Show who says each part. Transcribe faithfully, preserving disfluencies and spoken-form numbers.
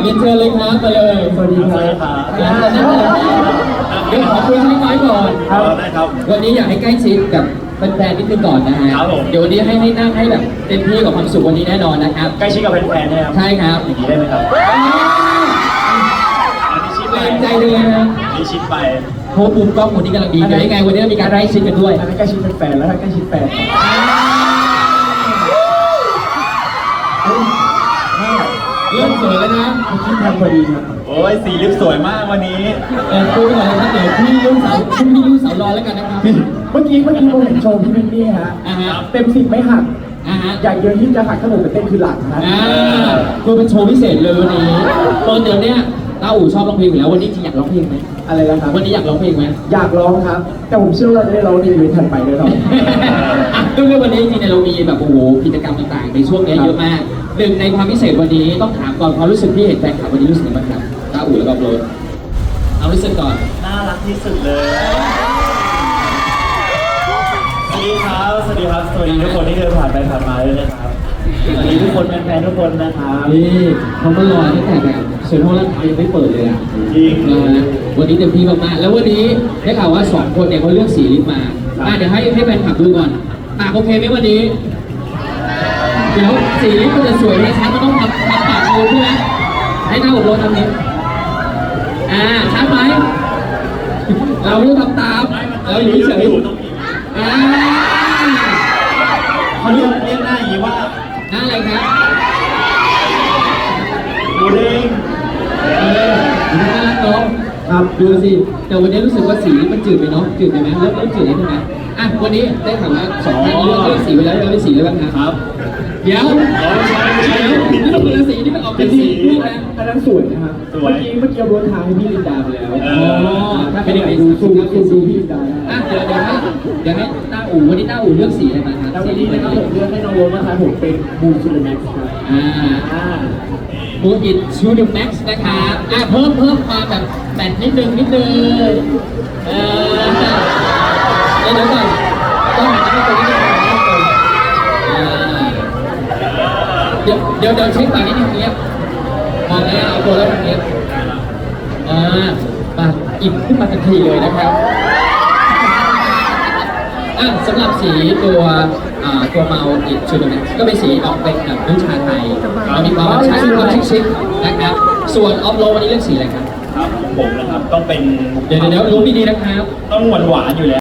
Speaker 1: รียนเชิญเลยครับมาเลยสวัสดีครับเดี๋ยวขอคุยเล็กน้อยก่อนครับได้ครับวันนี้อยากให้ใกล้ชิดกับแฟนๆนิดนึงก่อนนะฮะเดี๋ยววันนี้ให้ให้นั่งให้แบบเต็มที่กับความสุขวันนี้แน่นอนนะครับ
Speaker 2: ใกล้ชิดกับแฟนๆนะครับ
Speaker 1: ใช่ครับ
Speaker 2: อย่างนี้ได้ไหมครับ
Speaker 1: เกรงใจเลยนะ
Speaker 2: นี่ชิดไป
Speaker 1: โพมุมกล้องวันนี้กำลังดีเดี๋ยวยังไงวันนี้มีการไล่ชิดกันด้วย
Speaker 2: อันนี้ใกล้ชิดแฟนแล้วถ้าใกล้ชิดแฟน
Speaker 1: เริ่มสวยแล้วนะ
Speaker 2: คิดทำพอดีครับโอ้ยสีลิปสวยมากวันนี้
Speaker 1: เออคุยกันเลยนะเดี๋ยวพี่ยุ่งสาวพี่ยุ่งสาวรอแล้วกันนะครับ
Speaker 2: เมื่อกี้เมื่อกี้ผมเห็นโชว์พี่วินนี่ฮะเต็มสิบไม่หักอยากเยอะยิ่งจะหักขนมไปเต้นคือหลังนะ
Speaker 1: คือเป็นโชว์พิเศษเลยวันนี้ตอนเดี๋ยวเนี้ยต้าอู่ชอบร้องเพลงอยู่แล้ววันนี้จริงอยากร้องเพลงไหม
Speaker 2: อะไรนะครับ
Speaker 1: วันนี้อยากร้องเพลงไหม
Speaker 2: อยากร้องครับแต่ผมเชื่อว่าเราจะได้ร้องในอีเวนต์ถัดไปแน่นอน
Speaker 1: ก็คือวันนี้จริงๆเรามีแบบโอ้โหกิจกรรมต่างๆในช่วงนี้เยอะมากหนึ่งในความพิเศษวันนี้ต้องถามก่อนความรู้สึกที่เห็นแฟนคลับวันนี้รู้สึกยังไงบ้างครับต้าอู่แล้วก็โรสเอารู้สึกก่อน
Speaker 2: น่ารักที่สุดเลยสวัสดีครับสวัสดีครับสวัสดีทุกคนที่เดินผ่านไปผ่านมาด้วยนะครับสวัสดีทุกคนแฟนๆทุกคนนะครับ
Speaker 1: นี่เขามารอตั้งแต่แบบเซ็นทรัลลาดพร้าวยังไม่เปิดเลยอ่ะ
Speaker 2: จริง
Speaker 1: นะวันนี้เต็มที่มากๆแล้ววันนี้ได้ข่าวว่าสองคนเนี่ยเขาเลือกสีลิปมาอ่ะเดี๋ยวให้ให้แฟนคลับดูก่อนปากโอเคไหมวันนี้เดี๋ยวสีลิปมันจะสวยให้ชัดมันต้องทำทำปากโอใช่ไหมให้หน้าอบรมทำนี้อ่าชัดไหมเราไม่ต้องทำตามเราอยู่เฉยอ่า
Speaker 2: เขาเรียกเรียกหน้าอย่างนี้ว่า
Speaker 1: หน้าอะไรครับ
Speaker 2: หมูเด้ง
Speaker 1: เออหน้าน้องครับดูสิแต่วันนี้รู้สึกว่าสีมันจืดไปเนาะจืดไปไหมเริ่มเริ่มจืดแล้วใช่ไหมอ่ะวันนี้ได้ข่าวว่าสองท่านเลือกเลือกสีไปแล้วเราได้สีอะไรบ้างครับเดี๋ยวเดี๋ยวนี่เราเป็นสีที่มันออกเป็นสีลูกนะ
Speaker 2: อันนั้นสวยนะครับเมื่อกี้เมื่อกี้รถทางให้พี่ลินดาไปแล้ว
Speaker 1: อ๋อถ้าเป็นอย่างนี้
Speaker 2: ดูซูมซูมดูพี่ลินดา
Speaker 1: อ่ะเดี๋ยวเดี๋ยวให้เดี๋ยวให้ต้าอู่วันนี้ต้าอู่เลือกสีอะไรมาครับ
Speaker 2: วันนี้นะครับผมเลือกให้น้องโรสนะครับผมเป็นบูชูเดอร์แม็กซ์ครับ
Speaker 1: อ่าบูอิดชูเดอร์แม็กซ์นะครับอ่ะเพิ่มเพิ่มมาแบบแบตนิดนึงนิดนึงเออเดี๋ยวก่อนต้องหาที่ตรงนี้เดี๋ยวเดี๋ยวเดี๋ยวเช็คปากนิดนึงเนี้ยมองแล้วเอาตัวแล้วแบบนี้อ่าปากอิ่มขึ้นมาทันทีเลยนะครับอ่ะสำหรับสีตัวตัวเมาอิดชูดเนี่ยก็เป็นสีออกเป็นแบบนุ่งชาไทยเรามีความใช้ความชิคๆนะครับส่วนออฟโรวันนี้เลือกสีอะไรครับ
Speaker 2: ครับผมนะครับต้องเป็น
Speaker 1: เดี๋ยวเดี๋ยวรู้ดีๆนะครับ
Speaker 2: ต้องหวานหวานอยู่แล้ว